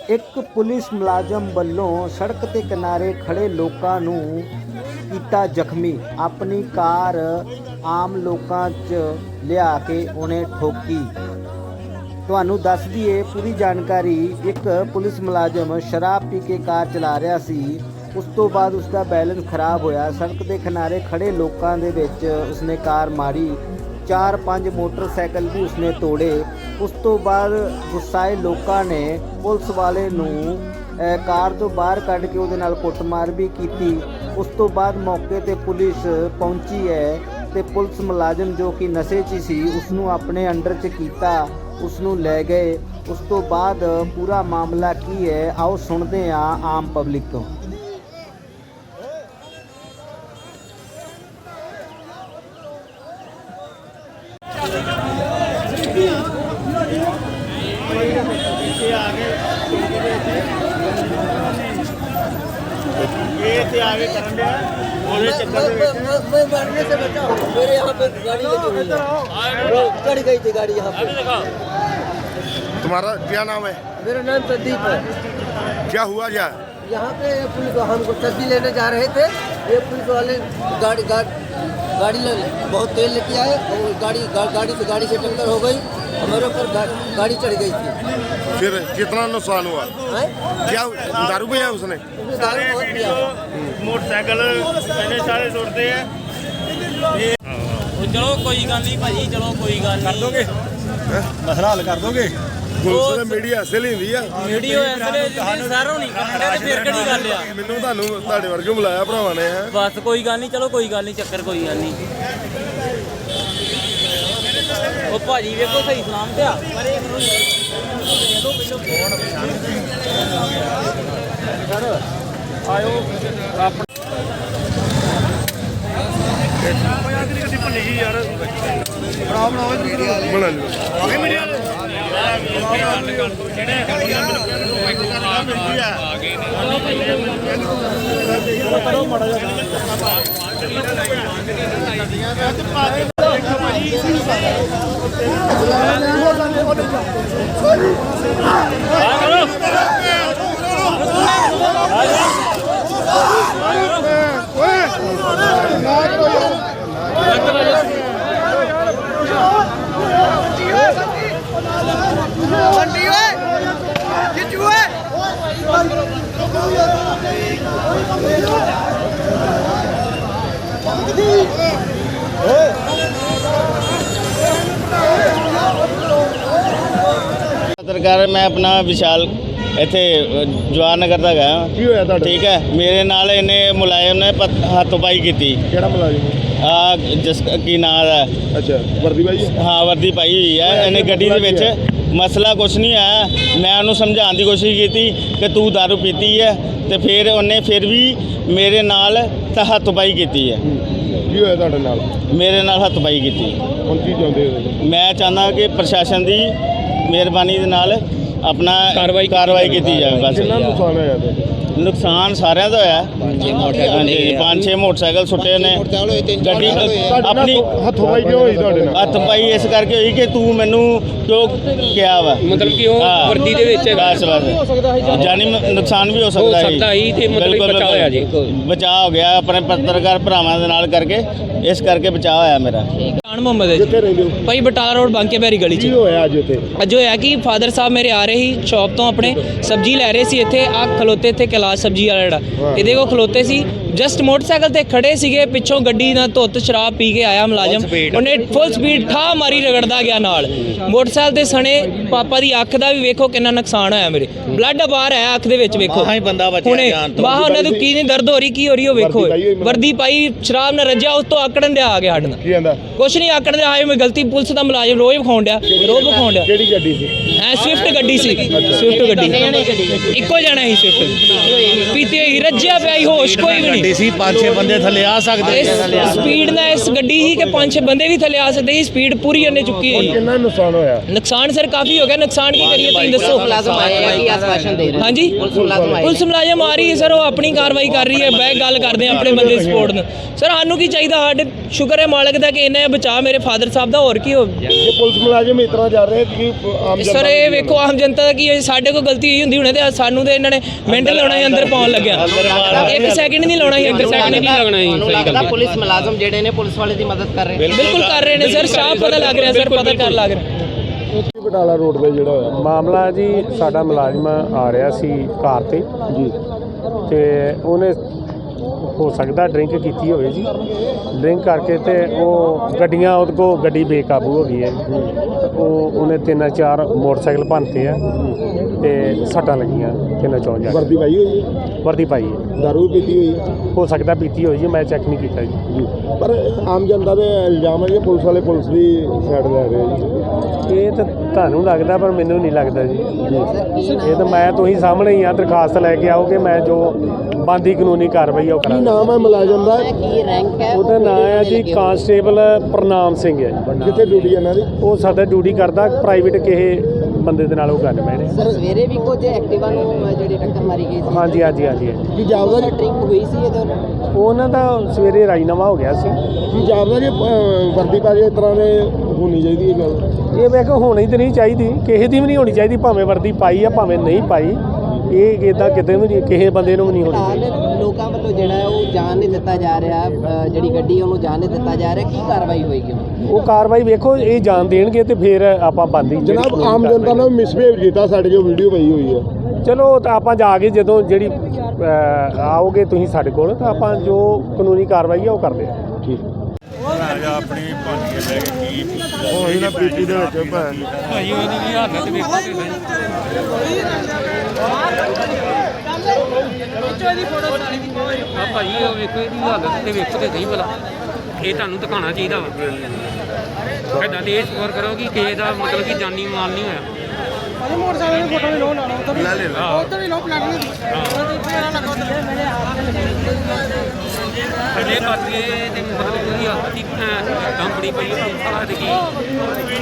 एक पुलिस मुलाजम वालों सड़क के किनारे खड़े लोगों नूं कीता जख्मी। अपनी कार आम लोगों च लिया के उन्हें ठोकी। ਤੁਹਾਨੂੰ ਦੱਸ ਦਈਏ पूरी जानकारी। एक पुलिस मुलाजम शराब पी के कार चला रहा सी। उस तो बाद उसका बैलेंस खराब होया। सड़क के किनारे खड़े लोगों के विच उसने कार मारी। 4-5 मोटरसाइकिल भी उसने तोड़े। उस तो बाद गुस्साए लोगों ने पुलिस वाले नूं कार तो बाहर कढ़ के उहदे नाल कुੱਟਮਾਰ भी की। उस तो बाद मौके ते पुलिस पहुंची है ते पुलिस मुलाजम जो कि नशे च सी उसनूं अपने अंडर च कीता, उसनूं लै गए। उस तो बाद पूरा मामला की है आओ सुनते हैं आम पब्लिक तो। आगे करन दिया ओले चक्कर मैं मरने से बचाओ। मेरे यहाँ पे गाड़ी लगी हुई है, चढ़ गई थी गाड़ी यहाँ पे। तुम्हारा क्या नाम है? मेरा नाम संदीप है। क्या हुआ क्या? यहाँ पे पुलिस हमको सब्जी लेने जा रहे थे। ये पुलिस वाले गाड़ी बहुत तेल लेके आए और गाड़ी से टक्कर हो गई। हमारे ऊपर गाड़ी चढ़ गई थी। फिर कितना नुकसान हुआ? क्या दारू पिया उसने? सारे मोटरसाइकिल सारे तोड़ते हैं। चलो कोई गल नहीं भाजी, चलो कोई गल कर दोगे, मसला हल कर दोगे। पुलिस ने मीडिया ऐसे लेंदी आ। वीडियो ऐसे सारों नहीं करते ते फिर किहड़ी गल आ। ਮੈਨੂੰ ਤੁਹਾਨੂੰ ਤੁਹਾਡੇ ਵਰਗੇ ਬੁਲਾਇਆ ਭਰਾਵਾਂ ਨੇ। बस कोई गल नहीं, चलो कोई गल नहीं, चक्कर कोई गल नहीं। ਉਹ ਭਾਜੀ ਵੇਖੋ ਸਹੀ ਸਲਾਮ ਤੇ ਆ ਪਰ ਇਹ ਸਰ ਆਇਓ ਆਪਣਾ ਕਿਸੀ ਭੰਨੀ ਜੀ ਯਾਰ ਬਣਾ ਬਣਾਓ ਬਣਾ ਲਓ ਮੀਡੀਆ ਵਾਲੇ ਗੱਲ ਕਰ ਦੋ ਜਿਹੜੇ ਆ ਗਏ ਨੇ ਕਰੋ ਮੜਾ ਜਾ पत्रकार मैं अपना विशाल इत्थे जवाहर नगर का गया। ਕੀ ਹੋਇਆ ਤੁਹਾਡੇ? ठीक है मेरे नाल इन्हें मुलायम ने हथोपाई की। ਕਿਹੜਾ ਮੁਲਾਜ਼ਮ? जिस की नाम है ਅੱਛਾ ਵਰਦੀ ਭਾਈ। हाँ वर्दी पाई हुई है। इन्हें गड्डी दे विच मसला कुछ नहीं आया। मैं उन्होंने समझाने की कोशिश की कि तू दारू पीती है तो फिर उन्हें फिर भी मेरे नाल हथोपाई की है। ਕੀ ਹੋਇਆ ਤੁਹਾਡੇ ਨਾਲ? मेरे नाल हथोपाई की। ਹੁਣ ਕੀ ਚਾਹੁੰਦੇ ਹੋ? मैं चाहता कि प्रशासन की मेहरबानी दे नाल अपना कार्रवाई की जाए। बस ਕਿੰਨਾ ਨੁਕਸਾਨ ਹੋਇਆ ਤੁਹਾਡਾ? नुकसान सारिਆਂ ਦਾ ਹੋਇਆ। 5-6 मोटरसाइकिल सुੱਟੇ ਨੇ। ਗੱਡੀ ਆਪਣੀ ਹੱਥੋਂ ਕਿਉਂ ਹੋਈ ਤੁਹਾਡੇ ਨਾਲ? ਹੱਥ ਪਾਈ ਇਸ ਕਰਕੇ ਹੋਈ ਕਿ ਤੂੰ ਮੈਨੂੰ ਕਿਉਂ ਕਿਹਾ ਵਾ, ਮਤਲਬ ਕਿ ਉਹ ਵਰਦੀ ਦੇ ਵਿੱਚ ਬਸ ਜਾਨੀ ਨੁਕਸਾਨ ਵੀ ਹੋ ਸਕਦਾ ਸੀ ਤੇ ਮਤਲਬ ਬਚਾਅ ਹੋਇਆ ਜੀ। ਬਚਾਅ ਹੋ ਗਿਆ ਆਪਣੇ ਪੱਤਰਕਾਰ ਭਰਾਵਾਂ ਦੇ ਨਾਲ ਕਰਕੇ, ਇਸ ਕਰਕੇ ਬਚਾਅ ਹੋਇਆ ਮੇਰਾ। ਖਾਨ ਮੁਹੰਮਦ ਹੈ ਕਿੱਥੇ ਰਹਿੰਦੇ ਹੋ? ਭਾਈ ਬਟਾਲਾ ਰੋਡ ਬਾਂਕੇ ਬਿਹਾਰੀ ਗਲੀ ਕੀ 'ਚ। ਹੋਇਆ ਅੱਜ ਇੱਥੇ? ਅੱਜ ਹੋਇਆ ਕਿ ਫਾਦਰ ਸਾਹਿਬ ਮੇਰੇ ਆ ਰਹੇ ਸੀ ਸ਼ੌਪ ਤੋਂ, ਆਪਣੇ ਸਬਜ਼ੀ ਲੈ ਰਹੇ ਸੀ। ਇੱਥੇ ਆ ਖਲੋਤੇ, ਇੱਥੇ ਕੈਲਾਸ਼ ਸਬਜ਼ੀ ਵਾਲਾ ਜਿਹੜਾ ਇਹਦੇ ਕੋਲ ਖਲੋਤੇ ਸੀ। ਜਸਟ ਮੋਟਰਸਾਈਕਲ ਤੇ ਖੜੇ ਸੀਗੇ, ਪਿੱਛੋਂ ਗੱਡੀ ਨਾਲ ਧੁੱਤ ਸ਼ਰਾਬ ਪੀ ਕੇ ਆਇਆ ਮੁਲਾਜ਼ਮ। ਉਹਨੇ ਫੁੱਲ ਸਪੀਡ ਠਾ ਮਾਰੀ, ਰਗੜਦਾ ਗਿਆ ਨਾਲ ਮੋਟਰਸਾਈਕਲ ਤੇ ਸਣੇ। ਪਾਪਾ ਦੀ ਅੱਖ ਦਾ ਵੀ ਵੇਖੋ ਕਿੰਨਾ ਨੁਕਸਾਨ ਹੋਇਆ, ਮੇਰੇ ਬਲੱਡ ਬਾਹਰ ਆਇਆ ਅੱਖ ਦੇ ਵਿੱਚ। ਵੇਖੋ ਹੁਣੇ ਬਾਹ ਉਹਨਾਂ ਨੂੰ ਕੀ ਨਹੀਂ ਦਰਦ ਹੋ ਰਹੀ, ਕੀ ਹੋ ਰਹੀ ਉਹ ਵੇਖੋ। ਵਰਦੀ ਪਾਈ, ਸ਼ਰਾਬ ਨਾਲ ਰੱਜਿਆ, ਉਸ ਤੋਂ ਆਕੜਨ ਦਿਆ ਆ ਗਿਆ ਸਾਡੇ ਨਾਲ। ਕੀ ਕਹਿੰਦਾ? ਕੁਛ ਨਹੀਂ ਆਕੜ ਰਿਹਾ ਹੈ। ਮੈਂ ਗਲਤੀ ਪੁਲਿਸ ਦਾ ਮੁਲਾਜ਼ਮ ਰੋਜ਼ ਵਿਖਾਉਣ ਡਿਆ, ਰੋਜ਼ ਵਿਖਾਉਣ ਡਿਆ। ਕਿਹੜੀ ਗੱਡੀ ਸੀ? ਹੈ ਸਵਿਫਟ ਗੱਡੀ ਸੀ, ਸਵਿਫਟ ਗੱਡੀ ਇੱਕੋ ਜਣਾ ਸੀ। ਸਵਿਫਟ ਪੀਤੀ ਹੋਈ ਰੱਜਿਆ ਪਿਆ ਸੀ, ਹੋਸ਼ ਕੋਈ ਵੀ ਨਹੀਂ। ਗੱਡੀ ਸੀ 5-6 ਬੰਦੇ ਥੱਲੇ ਆ ਸਕਦੇ ਇਸ ਸਪੀਡ ਨਾਲ ਇਸ ਗੱਡੀ ਹੀ ਕਿ 5-6 ਬੰਦੇ ਵੀ ਥੱਲੇ ਆ ਸਕਦੇ ਸੀ। ਸਪੀਡ ਪੂਰੀ ਉਹਨੇ ਚੁੱਕੀ ਹੋਈ ਹੈ। ਕਿੰਨਾ ਨੁਕਸਾਨ ਹੋਇਆ? ਨੁਕਸਾਨ ਸਰ ਕਾਫੀ ਹੋ ਗਿਆ। ਨੁਕਸਾਨ ਕੀ ਕਰੀਏ ਤੁਸੀਂ ਦੱਸੋ। ਹਾਂਜੀ ਪੁਲਿਸ ਮੁਲਾਜ਼ਮ ਆ ਰਹੀ ਹੈ ਸਰ, ਉਹ ਆਪਣੀ ਕਾਰਵਾਈ ਕਰ ਰਹੀ ਹੈ। ਬਹਿ ਗੱਲ ਕਰਦੇ ਆ ਆਪਣੇ ਬੰਦੇ ਸਪੋਰਟ ਨੂੰ। ਸਰ ਸਾਨੂੰ ਕੀ ਚਾਹੀਦਾ, ਸਾਡੇ ਸ਼ੁਕਰ ਹੈ ਮਾਲਕ ਦਾ ਕਿ ਇਹਨਾਂ ਬਚਾ ਮੇਰੇ ਫਾਦਰ ਸਾਹਿਬ ਦਾ, ਹੋਰ ਕੀ ਹੋ। ਇਹ ਪੁਲਿਸ ਮੁਲਾਜ਼ਮ ਇਸ ਤਰ੍ਹਾਂ ਜਾ ਰਹੇ ਕਿ ਆਮ ਜਨਤਾ ਸਰ ਇਹ ਵੇਖੋ ਆਮ ਜਨਤਾ ਦਾ ਕੀ ਹੈ, ਸਾਡੇ ਕੋਲ ਗਲਤੀ ਹੋਈ ਹੁੰਦੀ ਹੁਣੇ ਤੇ ਸਾਨੂੰ ਤੇ ਇਹਨਾਂ ਨੇ ਮਿੰਟ ਲਾਉਣਾ ਸੀ ਅੰਦਰ ਪਾਉਣ ਲੱਗਿਆ। 1 ਸੈਕਿੰਡ ਨਹੀਂ ਲਾਉਣਾ ਸੀ, 1 ਸੈਕਿੰਡ ਨਹੀਂ ਲੱਗਣਾ ਸੀ। ਸਹੀ ਗੱਲ ਪੁਲਿਸ ਮੁਲਾਜ਼ਮ ਜਿਹੜੇ ਨੇ ਪੁਲਿਸ ਵਾਲੇ ਦੀ ਮਦਦ ਕਰ ਰਹੇ ਬਿਲਕੁਲ ਕਰ ਰਹੇ ਨੇ ਸਰ, ਸਾਫ਼ ਪਤਾ ਲੱਗ ਰਿਹਾ ਸਰ, ਪਤਾ ਕਰ ਲੱਗ ਰਿਹਾ। ਬਟਾਲਾ ਰੋਡ ਤੇ ਜਿਹੜਾ ਹੋਇਆ ਮਾਮਲਾ ਜੀ, ਸਾਡਾ ਮੁਲਾਜ਼ਮ ਆ ਰਿਹਾ ਸੀ ਕਾਰ ਤੇ ਜੀ, ਤੇ ਉਹਨੇ ਹੋ ਸਕਦਾ ਡਰਿੰਕ ਕੀਤੀ ਹੋਵੇ ਜੀ। ਡਰਿੰਕ ਕਰਕੇ ਤੇ ਉਹ ਗੱਡੀਆਂ ਉਹਦੇ ਕੋਲ ਗੱਡੀ ਬੇਕਾਬੂ ਹੋ ਗਈ ਹੈ। ਉਹਨੇ 3-4 ਮੋਟਰਸਾਈਕਲ ਭੰਨਤੇ ਆ ਤੇ ਸੱਟਾਂ ਲੱਗੀਆਂ 3-4 ਜਾ। ਵਰਦੀ ਪਾਈ ਹੋਈ ਹੈ? ਵਰਦੀ ਪਾਈ ਹੈ। ਦਾਰੂ ਪੀਤੀ ਹੋਈ ਹੈ? ਹੋ ਸਕਦਾ ਪੀਤੀ ਹੋਈ ਜੀ, ਮੈਂ ਚੈੱਕ ਨਹੀਂ ਕੀਤਾ ਜੀ। ਪਰ ਆਮ ਜਨਤਾ ਦੇ ਇਲਜ਼ਾਮ ਹੈ ਕਿ ਪੁਲਿਸ ਵਾਲੇ ਪੁਲਿਸ ਦੀ ਸਾਈਡ ਲੈ ਰਹੇ ਜੀ। ਇਹ ਤਾਂ ਤੁਹਾਨੂੰ ਲੱਗਦਾ, ਪਰ ਮੈਨੂੰ ਨਹੀਂ ਲੱਗਦਾ ਜੀ। ਇਹ ਤਾਂ ਮੈਂ ਤੁਸੀਂ ਸਾਹਮਣੇ ਹੀ ਆ, ਦਰਖਾਸਤ ਲੈ ਕੇ ਆਓਗੇ, ਮੈਂ ਜੋ ਬਣਦੀ ਕਾਨੂੰਨੀ ਕਾਰਵਾਈ ਉਹ ਕੀ ਕਰਾਂਗਾ। ਨਾਮ ਹੈ ਮੁਲਾਜ਼ਮ ਦਾ? ਕੀ ਰੈਂਕ ਹੈ ਉਹਦਾ ਨਾਮ ਹੈ ਜੀ ਕਾਂਸਟੇਬਲ ਪ੍ਰਨਾਮ ਸਿੰਘ ਹੈ ਜੀ। ਕਿੱਥੇ ਡਿਊਟੀ ਇਹਨਾਂ ਦੀ? ਉਹ ਸਾਡਾ ਡਿਊਟੀ ਕਰਦਾ ਪ੍ਰਾਈਵੇਟ ਕਿਸੇ ਬੰਦੇ ਦੇ ਨਾਲ ਉਹ ਗੱਲ ਮੈਂ ਸਰ ਸਵੇਰੇ ਵੀ ਕੁਝ ਐਕਟਿਵਾ ਨੂੰ ਜਿਹੜੀ ਟੱਕਰ ਮਾਰੀ ਗਈ ਸੀ। ਹਾਂਜੀ ਹਾਂਜੀ ਹਾਂਜੀ। ਕੀ ਜਾਪਦਾ ਜੀ? ਡਰਿੰਕ ਹੋਈ ਸੀ ਇਹਦੇ ਨਾਲ? ਉਹਨਾਂ ਦਾ ਸਵੇਰੇ ਰਾਜੀਨਾਮਾ ਹੋ ਗਿਆ ਸੀ। ਕੀ ਜਾਪਦਾ ਜੀ ਵਰਦੀ ਪਾ ਕੇ ਇਸ ਤਰ੍ਹਾਂ ਦੇ ਹੋਣੀ ਚਾਹੀਦੀ ਇਹ ਗੱਲ? ਇਹ ਮੈਂ ਕਿਹਾ ਹੋਣੀ ਤਾਂ ਨਹੀਂ ਚਾਹੀਦੀ, ਕਿਸੇ ਦੀ ਵੀ ਨਹੀਂ ਹੋਣੀ ਚਾਹੀਦੀ, ਭਾਵੇਂ ਵਰਦੀ ਪਾਈ ਆ ਭਾਵੇਂ ਨਹੀਂ ਪਾਈ। ਇਹ ਇੱਦਾਂ ਕਿਤੇ ਵੀ ਨਹੀਂ, ਕਿਸੇ ਬੰਦੇ ਨੂੰ ਵੀ ਨਹੀਂ ਹੋਣੀ ਚਾਹੀਦੀ। ਲੋਕਾਂ ਵੱਲੋਂ ਜਿਹੜਾ ਹੈ ਉਹ ਜਾਣ ਨਹੀਂ ਦਿੱਤਾ ਜਾ ਰਿਹਾ, ਜਿਹੜੀ ਗੱਡੀ ਉਹਨੂੰ ਜਾਣ ਨਹੀਂ ਦਿੱਤਾ ਜਾ ਰਿਹਾ, ਕੀ ਕਾਰਵਾਈ ਹੋਏਗੀ? ਉਹ ਕਾਰਵਾਈ ਵੇਖੋ, ਇਹ ਜਾਣ ਦੇਣਗੇ ਤੇ ਫਿਰ ਆਪਾਂ ਬੰਦੀ। ਜਨਾਬ ਆਮ ਜਨਤਾ ਨੇ ਮਿਸਬਿਹੇਵ ਕੀਤਾ, ਸਾਡੇ ਜੋ ਵੀਡੀਓ ਪਈ ਹੋਈ ਹੈ। ਚਲੋ ਤਾਂ ਆਪਾਂ ਜਾ ਕੇ ਜਦੋਂ ਜਿਹੜੀ ਆਓਗੇ ਤੁਸੀਂ ਸਾਡੇ ਕੋਲ, ਤਾਂ ਆਪਾਂ ਜੋ ਕਾਨੂੰਨੀ ਕਾਰਵਾਈ ਆ ਉਹ ਕਰਦੇ ਆ। ਠੀਕ ਆਪਣੀ ਭੰਨ ਕੇ ਲੈ ਕੇ ਕੀ ਉਹ ਹੀ ਨਾ ਪੀਟੀ ਦੇ ਵਿੱਚ ਭਾਈ ਉਹਦੀ ਵੀ ਹਾਲਤ ਵੇਖੋ ਤੇ ਆ ਭਾਈ ਉਹ ਵੇਖੋ ਇਹਦੀ ਹਾਲਤ ਤੇ ਵੇਖੋ ਤੇ ਸਹੀ ਭਲਾ, ਇਹ ਤੁਹਾਨੂੰ ਦਿਖਾਉਣਾ ਚਾਹੀਦਾ ਵਾ। ਇੱਦਾਂ ਤੇ ਇਹ ਸ਼ੁਕਰ ਕਰੋ ਕਿ ਕਿਸੇ ਦਾ ਮਤਲਬ ਕਿ ਜਾਨੀ ਮਾਲ ਨਹੀਂ ਹੋਇਆ। ਮੋਟਰਸਾਈਕਲ ਦੀ ਫੋਟੋ ਵੀ ਲੋ ਲਾਣਾ ਉਧਰ ਲੈ ਲੈ ਉਧਰ ਵੀ ਲੋ ਪਲਾਟਿੰਗ ਦੀ ਅਜੇ ਬਾਕੀ ਤੇ ਮਤਲਬ ਕੋਈ ਹੱਥ ਦੀ ਕੰਪਨੀ ਪਈ ਸਾਰਾ ਤੇ ਕੀ